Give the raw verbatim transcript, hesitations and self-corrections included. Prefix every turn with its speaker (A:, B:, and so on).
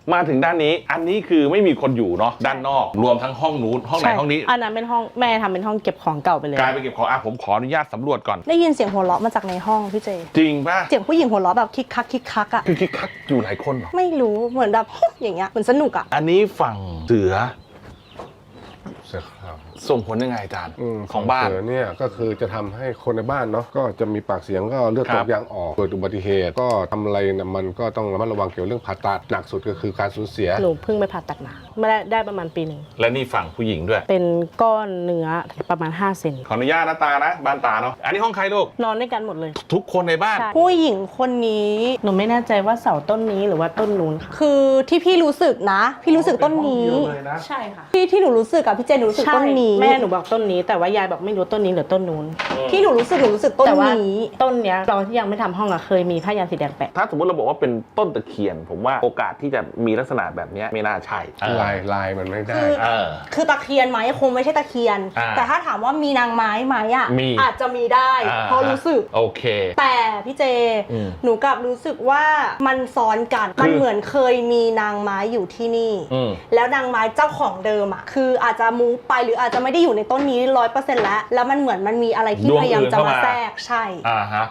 A: มาถึงด้านนี้อันนี้คือไม่มีคนอยู่เนาะด้านนอกรวมทั้งห้องนู้นห้องไหนห้องนี้
B: อันนั้นเป็นห้องแม่ทำเป็นห้องเก็บของเก่าไปเลย
A: กลายไปเก็บของอ่ะผมขออนุญาตสำรวจก่อน
B: ได้ยินเสียงหัวเราะมาจากในห้องพี่เจ
A: จริงป่ะ
B: เสียงผู้หญิงหัวเราะแบบคิกคักคิกคักอ่ะ
A: คือคิกคักอยู่หลายคนเหรอ
B: ไม่รู้เหมือนแบบอย่างเงี้ยเหมือนสนุกอ่ะ
A: อันนี้ฝั่งเสือ
C: เสือขาว
A: ส่งผลยังไงอาจารย์ของบ้าน
C: เสือเนี่ยก็คือจะทำให้คนในบ้านเนาะก็จะมีปากเสียงก็เลือดตกยางออกเกิดอุบัติเหตุก็ทำอะไรนะมันก็ต้องระมัดระวังเกี่ยวเรื่องผ่าตัดหนักสุดก็คือการสูญเสีย
B: หนูเพิ่งไปผ่าตัดมาไม่ได้ได้ประมาณปีหนึ่ง
A: และนี่ฝั่งผู้หญิงด้วย
B: เป็นก้อนเนื้อประมาณห้าเซน
A: ขออนุญาตนะตานะบ้านตาเนาะอันนี้ห้องใครลูก
B: นอนด้วยกันหมดเลย
A: ทุกคนในบ้าน
B: ผู้หญิงคนนี้หนูไม่แน่ใจว่าเสาต้นนี้หรือว่าต้นนู้นคือที่พี่รู้สึกนะพี่รู้สึกต้นนี้ใช่ค่ะที่ที่หนูรู้สึกกับพี่เจนหนูรู้สึกต้นนี้แม่หนูบอกต้นนี้แต่ว่ายายบอกไม่รู้ต้นนี้หรือต้นนู้นที่หนูรู้สึกหนูรู้สึกต้นนี้ต้นเนี้ยตอนที่ยังไม่ทำห้องอะเคยมีผ้ายันสีแดงแปะ
A: ถ้าสมมติเราบอกว่าเป็นต้นตะเคียนผมว่าโอกาสที่จะมีลักษณะแบบนี้ไม่น่าใช่
C: ลายลายมันไม่ได้
B: คือตะเคียนไหมคงไม่ใช่ตะเคียนแต่ถ้าถามว่ามีนางไม้ไหมอ่ะอาจจะมีได้เพราะรู้สึก
A: โอเค
B: แต่พี่เจหนูกลับรู้สึกว่ามันซ้อนกันมันเหมือนเคยมีนางไม้อยู่ที่นี่แล้วนางไม้เจ้าของเดิมอ่ะคืออาจจะมูฟไปหรืออาจจะไม่ได้อยู่ในต้นนี้ร้อยเปอร์เซ็นต์แล้วแล้วมันเหมือนมันมีอะไรที่พยายามจะมาแทรกใช่
A: อ่าฮะ